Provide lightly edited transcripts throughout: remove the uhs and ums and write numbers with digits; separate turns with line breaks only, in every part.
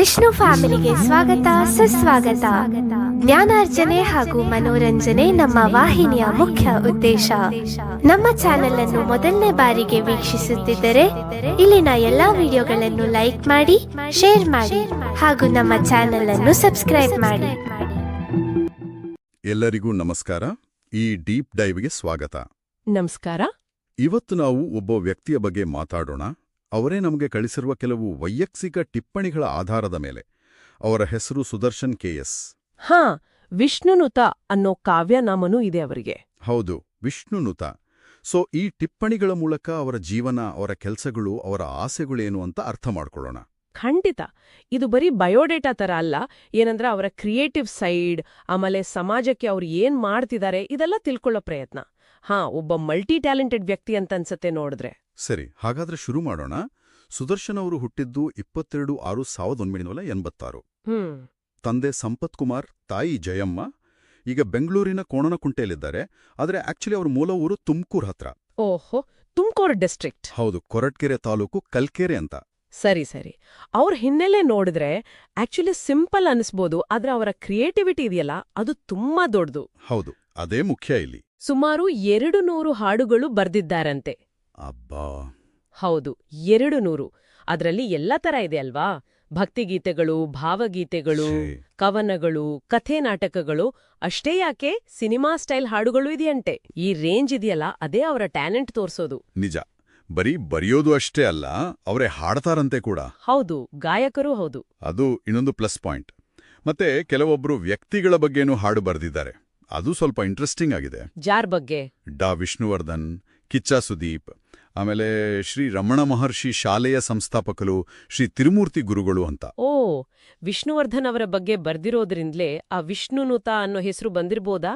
ವಿಷ್ಣು ಫ್ಯಾಮಿಲಿಗೆ ಸ್ವಾಗತ ಸುಸ್ವಾಗತ. ಜ್ಞಾನಾರ್ಜನೆ ಹಾಗೂ ಮನೋರಂಜನೆ ನಮ್ಮ ವಾಹಿನಿಯ ಮುಖ್ಯ ಉದ್ದೇಶ. ನಮ್ಮ ಚಾನೆಲ್ ಅನ್ನು ಮೊದಲನೇ ಬಾರಿಗೆ ವೀಕ್ಷಿಸುತ್ತಿದ್ದರೆ ಇಲ್ಲಿನ ಎಲ್ಲಾ ವಿಡಿಯೋಗಳನ್ನು ಲೈಕ್ ಮಾಡಿ, ಶೇರ್ ಮಾಡಿ ಹಾಗೂ ನಮ್ಮ ಚಾನೆಲ್ ಅನ್ನು ಸಬ್ಸ್ಕ್ರೈಬ್ ಮಾಡಿ.
ಎಲ್ಲರಿಗೂ ನಮಸ್ಕಾರ. ಈ ಡೀಪ್ ಡೈವ್ಗೆ ಸ್ವಾಗತ.
ನಮಸ್ಕಾರ.
ಇವತ್ತು ನಾವು ಒಬ್ಬ ವ್ಯಕ್ತಿಯ ಬಗ್ಗೆ ಮಾತಾಡೋಣ. ಅವರೇ ನಮಗೆ ಕಳಿಸಿರುವ ಕೆಲವು ವೈಯಕ್ತಿಕ ಟಿಪ್ಪಣಿಗಳ ಆಧಾರದ ಮೇಲೆ. ಅವರ ಹೆಸರು ಸುದರ್ಶನ್ KS.
ಹಾ, ವಿಷ್ಣುನುತ ಅನ್ನೋ ಕಾವ್ಯನಾಮನೂ ಇದೆ ಅವರಿಗೆ.
ಹೌದು, ವಿಷ್ಣುನುತ. ಸೊ ಈ ಟಿಪ್ಪಣಿಗಳ ಮೂಲಕ ಅವರ ಜೀವನ, ಅವರ ಕೆಲಸಗಳು, ಅವರ ಆಸೆಗಳೇನು ಅಂತ ಅರ್ಥ ಮಾಡ್ಕೊಳ್ಳೋಣ.
ಖಂಡಿತ. ಇದು ಬರೀ ಬಯೋಡೇಟಾ ತರ ಅಲ್ಲ. ಏನಂದ್ರೆ ಅವರ ಕ್ರಿಯೇಟಿವ್ ಸೈಡ್, ಆಮೇಲೆ ಸಮಾಜಕ್ಕೆ ಅವ್ರು ಏನ್ ಮಾಡ್ತಿದ್ದಾರೆ ಇದೆಲ್ಲ ತಿಳ್ಕೊಳ್ಳೋ ಪ್ರಯತ್ನ. ಹಾ, ಒಬ್ಬ ಮಲ್ಟಿ ಟ್ಯಾಲೆಂಟೆಡ್ ವ್ಯಕ್ತಿ ಅಂತ ಅನ್ಸತ್ತೆ ನೋಡಿದ್ರೆ.
ಸರಿ, ಹಾಗಾದ್ರೆ ಶುರು ಮಾಡೋಣ. ಸುದರ್ಶನ್ ಅವರು ಹುಟ್ಟಿದ್ದು 22/6/1986. ತಂದೆ ಸಂಪತ್ ಕುಮಾರ್, ತಾಯಿ ಜಯಮ್ಮ. ಈಗ ಬೆಂಗಳೂರಿನ ಕೋಣನಕುಂಟೆಯಲ್ಲಿದ್ದಾರೆ. ಆದರೆ ಆಕ್ಚುಲಿ ಅವ್ರ ಮೂಲ ಊರು ತುಮಕೂರು ಹತ್ರ.
ಓಹೋ, ತುಮಕೂರು ಡಿಸ್ಟ್ರಿಕ್ಟ್.
ಹೌದು, ಕೊರಟ್ಗೆರೆ ತಾಲೂಕು, ಕಲ್ಕೆರೆ ಅಂತ.
ಸರಿ. ಅವ್ರ ಹಿನ್ನೆಲೆ ನೋಡಿದ್ರೆ ಆಕ್ಚುಲಿ ಸಿಂಪಲ್ ಅನಿಸ್ಬೋದು, ಆದ್ರೆ ಅವರ ಕ್ರಿಯೇಟಿವಿಟಿ ಇದೆಯಲ್ಲ ಅದು ತುಂಬಾ ದೊಡ್ಡದು.
ಹೌದು, ಅದೇ ಮುಖ್ಯ ಇಲ್ಲಿ.
ಸುಮಾರು 200 ಹಾಡುಗಳು ಬರ್ದಿದ್ದಾರಂತೆ.
ಅಬ್ಬಾ.
ಹೌದು, 200. ಅದರಲ್ಲಿ ಎಲ್ಲ ತರ ಇದೆ ಅಲ್ವಾ? ಭಕ್ತಿಗೀತೆಗಳು, ಭಾವಗೀತೆಗಳು, ಕವನಗಳು, ಕಥೆ ನಾಟಕಗಳು. ಅಷ್ಟೇ ಯಾಕೆ, ಸಿನಿಮಾ ಸ್ಟೈಲ್ ಹಾಡುಗಳು ಇದೆಯಂತೆ. ಈ ರೇಂಜ್ ಇದೆಯಲ್ಲ, ಅದೇ ಅವರ ಟ್ಯಾಲೆಂಟ್ ತೋರ್ಸೋದು.
ನಿಜ. ಬರೀ ಬರೆಯೋದು ಅಷ್ಟೇ ಅಲ್ಲ, ಅವರೇ ಹಾಡ್ತಾರಂತೆ ಕೂಡ.
ಹೌದು, ಗಾಯಕರೂ ಹೌದು.
ಅದು ಇನ್ನೊಂದು ಪ್ಲಸ್ ಪಾಯಿಂಟ್. ಮತ್ತೆ ಕೆಲವೊಬ್ರು ವ್ಯಕ್ತಿಗಳ ಬಗ್ಗೆನೂ ಹಾಡು ಬರೆದಿದ್ದಾರೆ. ಅದು ಸ್ವಲ್ಪ ಇಂಟ್ರೆಸ್ಟಿಂಗ್ ಆಗಿದೆ.
ಜಾರ್ ಬಗ್ಗೆ?
ಡಾ ವಿಷ್ಣುವರ್ಧನ್, ಕಿಚ್ಚ ಸುದೀಪ್, ಆಮೇಲೆ ಶ್ರೀ ರಮಣ ಮಹರ್ಷಿ ಶಾಲೆಯ ಸಂಸ್ಥಾಪಕರು, ಶ್ರೀ ತಿರುಮೂರ್ತಿ ಗುರುಗಳು ಅಂತ.
ಓ, ವಿಷ್ಣುವರ್ಧನ್ ಅವರ ಬಗ್ಗೆ ಬರ್ದಿರೋದ್ರಿಂದಲೇ ಆ ವಿಷ್ಣುನುತ ಅನ್ನೋ ಹೆಸರು ಬಂದಿರ್ಬೋದಾ?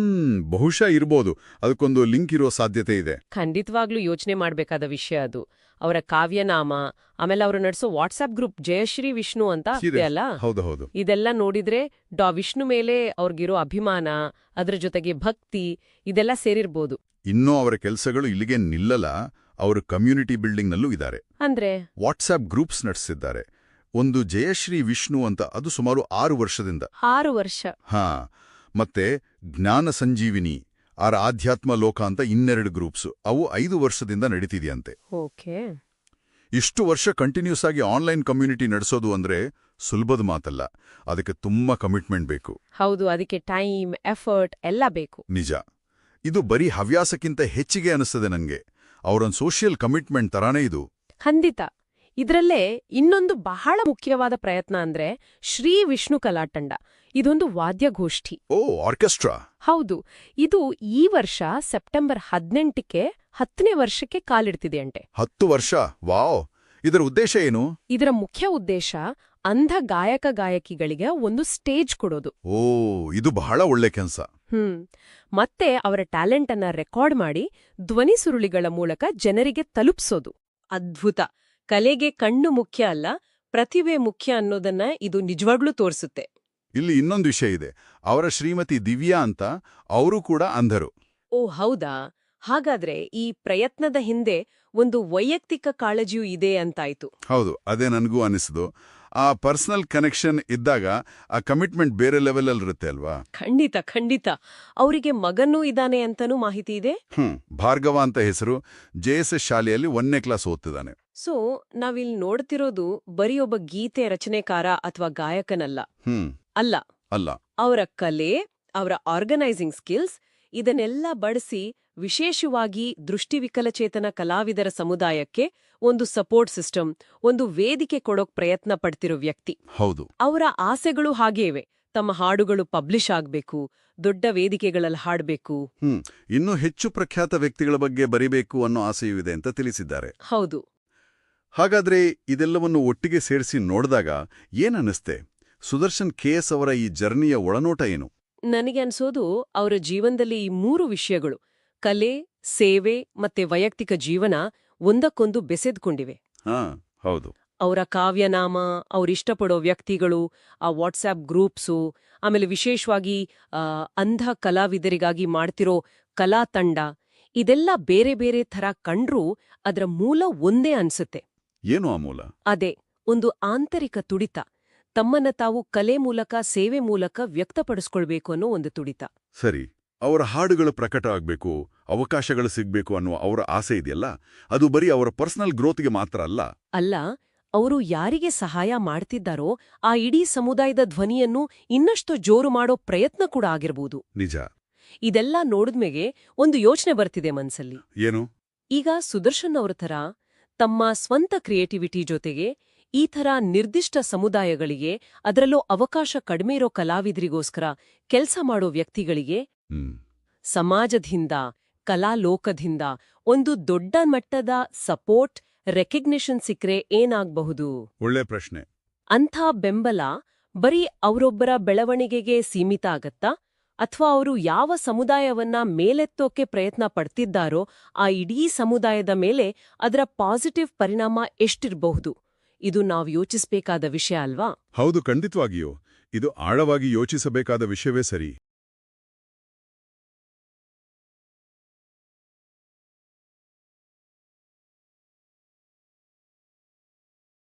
ಬಹುಶಃ ಇರ್ಬೋದು. ಅದಕ್ಕೊಂದು ಲಿಂಕ್ ಇರೋ ಸಾಧ್ಯತೆ ಇದೆ.
ಖಂಡಿತವಾಗ್ಲೂ ಯೋಚನೆ ಮಾಡ್ಬೇಕಾದ ವಿಷಯ ಅದು. ಅವರ ಕಾವ್ಯನಾಮ, ಆಮೇಲೆ ಅವರು ನಡೆಸೋ ವಾಟ್ಸ್ಆಪ್ ಗ್ರೂಪ್ ಜಯಶ್ರೀ ವಿಷ್ಣು ಅಂತ ಅಲ್ಲ?
ಹೌದು.
ಇದೆಲ್ಲ ನೋಡಿದ್ರೆ ಡಾ ವಿಷ್ಣು ಮೇಲೆ ಅವ್ರಿಗಿರೋ ಅಭಿಮಾನ, ಅದ್ರ ಜೊತೆಗೆ ಭಕ್ತಿ, ಇದೆಲ್ಲ ಸೇರಿರ್ಬೋದು.
ಇನ್ನೂ ಅವರ ಕೆಲಸಗಳು ಇಲ್ಲಿಗೆ ನಿಲ್ಲಲ್ಲ. ಅವರು ಕಮ್ಯುನಿಟಿ ಬಿಲ್ಡಿಂಗ್ನಲ್ಲೂ ಇದ್ದಾರೆ.
ಅಂದ್ರೆ
ವಾಟ್ಸ್ಆಪ್ ಗ್ರೂಪ್ಸ್ ನಡೆಸಿದ್ದಾರೆ. ಒಂದು ಜಯಶ್ರೀ ವಿಷ್ಣು ಅಂತ, ಅದು ಸುಮಾರು 6 ವರ್ಷದಿಂದ.
6 ವರ್ಷ?
ಹಾ. ಮತ್ತೆ ಜ್ಞಾನ ಸಂಜೀವಿನಿ, ಆಧ್ಯಾತ್ಮ ಲೋಕ ಅಂತ 2 ಗ್ರೂಪ್ಸ್. ಅವು 5 ವರ್ಷದಿಂದ ನಡೀತಿದೆಯಂತೆ.
ಓಕೆ.
ಇಷ್ಟು ವರ್ಷ ಕಂಟಿನ್ಯೂಸ್ ಆಗಿ ಆನ್ಲೈನ್ ಕಮ್ಯುನಿಟಿ ನಡೆಸೋದು ಅಂದ್ರೆ ಸುಲಭದ ಮಾತಲ್ಲ. ಅದಕ್ಕೆ ತುಂಬಾ ಕಮಿಟ್ಮೆಂಟ್ ಬೇಕು.
ಹೌದು, ಅದಕ್ಕೆ ಟೈಮ್, ಎಫರ್ಟ್ ಎಲ್ಲ ಬೇಕು.
ನಿಜ. ಇದು ಬರೀ ಹವ್ಯಾಸಕ್ಕಿಂತ ಹೆಚ್ಚಿಗೆ ಅನಿಸ್ತದೆ ನನಗೆ. ಅವರೊಂದು ಸೋಷಿಯಲ್ ಕಮಿಟ್ಮೆಂಟ್ ತರಾನೇ ಇದು.
ಖಂಡಿತ. ಇದರಲ್ಲೇ ಇನ್ನೊಂದು ಬಹಳ ಮುಖ್ಯವಾದ ಪ್ರಯತ್ನ ಅಂದ್ರೆ ಶ್ರೀ ವಿಷ್ಣು ಕಲಾತಂಡ. ಇದೊಂದು ವಾದ್ಯಗೋಷ್ಠಿ.
ಓ, ಆರ್ಕೆಸ್ಟ್ರಾ.
ಹೌದು. ಇದು ಈ ವರ್ಷ ಸೆಪ್ಟೆಂಬರ್ 18ಕ್ಕೆ 10ನೇ ವರ್ಷಕ್ಕೆ ಕಾಲಿಡ್ತಿದೆಯಂತೆ.
10 ವರ್ಷ? ವಾವ್. ಇದರ ಉದ್ದೇಶ ಏನು?
ಇದರ ಮುಖ್ಯ ಉದ್ದೇಶ ಅಂಧ ಗಾಯಕ-ಗಾಯಕಿಗಳಿಗೆ ಒಂದು ಸ್ಟೇಜ್ ಕೊಡೋದು.
ಓ, ಇದು ಬಹಳ ಒಳ್ಳೆ ಕೆಲಸ.
ಮತ್ತೆ ಅವರ ಟ್ಯಾಲೆಂಟ್ ಅನ್ನ ರೆಕಾರ್ಡ್ ಮಾಡಿ ಧ್ವನಿ ಸುರುಳಿಗಳ ಮೂಲಕ ಜನರಿಗೆ ತಲುಪಿಸೋದು. ಅದ್ಭುತ. ಕಲೆಗೆ ಕಣ್ಣು ಮುಖ್ಯ ಅಲ್ಲ, ಪ್ರತಿಭೆ ಮುಖ್ಯ ಅನ್ನೋದನ್ನ ಇದು ನಿಜವಾಗ್ಲೂ ತೋರಿಸುತ್ತೆ.
ಇಲ್ಲಿ ಇನ್ನೊಂದು ವಿಷಯ ಇದೆ. ಅವರ ಶ್ರೀಮತಿ ದಿವ್ಯಾ ಅಂತ, ಅವರು ಕೂಡ ಅಂಧರು.
ಓ, ಹೌದಾ? ಹಾಗಾದ್ರೆ ಈ ಪ್ರಯತ್ನದ ಹಿಂದೆ ಒಂದು ವೈಯಕ್ತಿಕ ಕಾಳಜಿಯೂ ಇದೆ ಅಂತಾಯ್ತು.
ಹೌದು, ಅದೇ ನನಗೂ ಅನಿಸಿದು. ಆ ಪರ್ಸನಲ್ ಕನೆಕ್ಷನ್ ಇದ್ದಾಗ ಆ ಕಮಿಟ್ಮೆಂಟ್ ಬೇರೆ ಲೆವೆಲ್ ಅಲ್ಲಿರುತ್ತೆ ಅಲ್ವಾ?
ಖಂಡಿತ. ಅವರಿಗೆ ಮಗನೂ ಇದ್ದಾನೆ ಅಂತನೂ ಮಾಹಿತಿ ಇದೆ.
ಭಾರ್ಗವ ಅಂತ ಹೆಸರು. JSS ಶಾಲೆಯಲ್ಲಿ 1ನೇ ಕ್ಲಾಸ್ ಓದ್ತಿದ್ದಾನೆ.
ಸೊ ನಾವಿಲ್ಲಿ ನೋಡ್ತಿರೋದು ಬರೀ ಒಬ್ಬ ಗೀತೆ ರಚನೆಕಾರ ಅಥವಾ ಗಾಯಕನಲ್ಲ. ಅಲ್ಲ. ಅವರ ಕಲೆ, ಅವರ ಆರ್ಗನೈಸಿಂಗ್ ಸ್ಕಿಲ್ಸ್, ಇದನ್ನೆಲ್ಲ ಬಳಸಿ ವಿಶೇಷವಾಗಿ ದೃಷ್ಟಿವಿಕಲಚೇತನ ಕಲಾವಿದರ ಸಮುದಾಯಕ್ಕೆ ಒಂದು ಸಪೋರ್ಟ್ ಸಿಸ್ಟಮ್, ಒಂದು ವೇದಿಕೆ ಕೊಡೋಕ್ ಪ್ರಯತ್ನ ಪಡ್ತಿರೋ ವ್ಯಕ್ತಿ.
ಹೌದು.
ಅವರ ಆಸೆಗಳು ಹಾಗೇ ಇವೆ. ತಮ್ಮ ಹಾಡುಗಳು ಪಬ್ಲಿಷ್ ಆಗ್ಬೇಕು, ದೊಡ್ಡ ವೇದಿಕೆಗಳಲ್ಲಿ ಹಾಡಬೇಕು,
ಇನ್ನೂ ಹೆಚ್ಚು ಪ್ರಖ್ಯಾತ ವ್ಯಕ್ತಿಗಳ ಬಗ್ಗೆ ಬರಿಬೇಕು ಅನ್ನೋ ಆಸೆಯೂ ಇದೆ ಅಂತ ತಿಳಿಸಿದ್ದಾರೆ.
ಹೌದು.
ಹಾಗಾದ್ರೆ ಇದೆಲ್ಲವನ್ನು ಒಟ್ಟಿಗೆ ಸೇರಿಸಿ ನೋಡಿದಾಗ ಏನನ್ನಿಸ್ತೆ? ಸುದರ್ಶನ್ KS ಅವರ ಈ ಜರ್ನಿಯ ಒಳನೋಟ ಏನು?
ನನಗೆ ಅನ್ಸೋದು ಅವರ ಜೀವನದಲ್ಲಿ ಈ 3 ವಿಷಯಗಳು, ಕಲೆ, ಸೇವೆ ಮತ್ತೆ ವೈಯಕ್ತಿಕ ಜೀವನ, ಒಂದಕ್ಕೊಂದು ಬೆಸೆದ್ಕೊಂಡಿವೆ.
ಹೌದು.
ಅವರ ಕಾವ್ಯನಾಮ, ಅವರಿಷ್ಟಪಡೋ ವ್ಯಕ್ತಿಗಳು, ಆ ವಾಟ್ಸ್ಆಪ್ ಗ್ರೂಪ್ಸು, ಆಮೇಲೆ ವಿಶೇಷವಾಗಿ ಅಂಧ ಕಲಾವಿದರಿಗಾಗಿ ಮಾಡ್ತಿರೋ ಕಲಾ ತಂಡ, ಇದೆಲ್ಲ ಬೇರೆ ಬೇರೆ ಥರ ಕಂಡ್ರೂ ಅದರ ಮೂಲ ಒಂದೇ ಅನ್ಸುತ್ತೆ.
ಏನು ಆ ಮೂಲ?
ಅದೇ, ಒಂದು ಆಂತರಿಕ ತುಡಿತ, ತಮ್ಮನ್ನ ತಾವು ಕಲೆ ಮೂಲಕ ಸೇವೆ ಮೂಲಕ ವ್ಯಕ್ತಪಡಿಸ್ಕೊಳ್ಬೇಕು ಅನ್ನೋ ಒಂದು ತುಡಿತ.
ಸರಿ, ಅವರ ಹಾಡುಗಳು ಪ್ರಕಟ ಆಗ್ಬೇಕು, ಅವಕಾಶಗಳು ಸಿಗ್ಬೇಕು ಅನ್ನುವ ಅವರ ಆಸೆ ಇದೆಯಲ್ಲ, ಅದು ಬರೀ ಅವರ ಪರ್ಸನಲ್ ಗ್ರೋತ್ಗೆ ಮಾತ್ರ ಅಲ್ಲ.
ಅಲ್ಲ, ಅವರು ಯಾರಿಗೆ ಸಹಾಯ ಮಾಡ್ತಿದ್ದಾರೋ ಆ ಇಡೀ ಸಮುದಾಯದ ಧ್ವನಿಯನ್ನು ಇನ್ನಷ್ಟು ಜೋರು ಮಾಡೋ ಪ್ರಯತ್ನ ಕೂಡ ಆಗಿರ್ಬೋದು.
ನಿಜ.
ಇದೆಲ್ಲ ನೋಡಿದ್ಮೇಲೆ ಒಂದು ಯೋಚನೆ ಬರ್ತಿದೆ ಮನ್ಸಲ್ಲಿ.
ಏನು?
ಈಗ ಸುದರ್ಶನ್ ಅವ್ರ ಥರ ತಮ್ಮ ಸ್ವಂತ ಕ್ರಿಯೇಟಿವಿಟಿ ಜೊತೆಗೆ ಈ ಥರ ನಿರ್ದಿಷ್ಟ ಸಮುದಾಯಗಳಿಗೆ, ಅದರಲ್ಲೂ ಅವಕಾಶ ಕಡಿಮೆ ಇರೋ ಕಲಾವಿದರಿಗೋಸ್ಕರ ಕೆಲ್ಸ ಮಾಡೋ ವ್ಯಕ್ತಿಗಳಿಗೆ ಸಮಾಜದಿಂದ, ಕಲಾಲೋಕದಿಂದ ಒಂದು ದೊಡ್ಡ ಮಟ್ಟದ ಸಪೋರ್ಟ್, ರೆಕಗ್ನಿಷನ್ ಸಿಕ್ರೆ ಏನಾಗ್ಬಹುದು?
ಒಳ್ಳೆ ಪ್ರಶ್ನೆ.
ಅಂಥ ಬೆಂಬಲ ಬರೀ ಅವರೊಬ್ಬರ ಬೆಳವಣಿಗೆಗೆ ಸೀಮಿತ ಆಗತ್ತಾ? ಅಥವಾ ಅವರು ಯಾವ ಸಮುದಾಯವನ್ನ ಮೇಲೆತ್ತೋಕೆ ಪ್ರಯತ್ನ ಪಡ್ತಿದ್ದಾರೋ ಆ ಇಡೀ ಸಮುದಾಯದ ಮೇಲೆ ಅದರ ಪಾಸಿಟಿವ್ ಪರಿಣಾಮ ಎಷ್ಟಿರಬಹುದು? ಇದು ನಾವು ಯೋಚಿಸಬೇಕಾದ ವಿಷಯ ಅಲ್ವಾ?
ಹೌದು, ಖಂಡಿತವಾಗಿಯೂ. ಇದು ಆಳವಾಗಿ ಯೋಚಿಸಬೇಕಾದ ವಿಷಯವೇ ಸರಿ.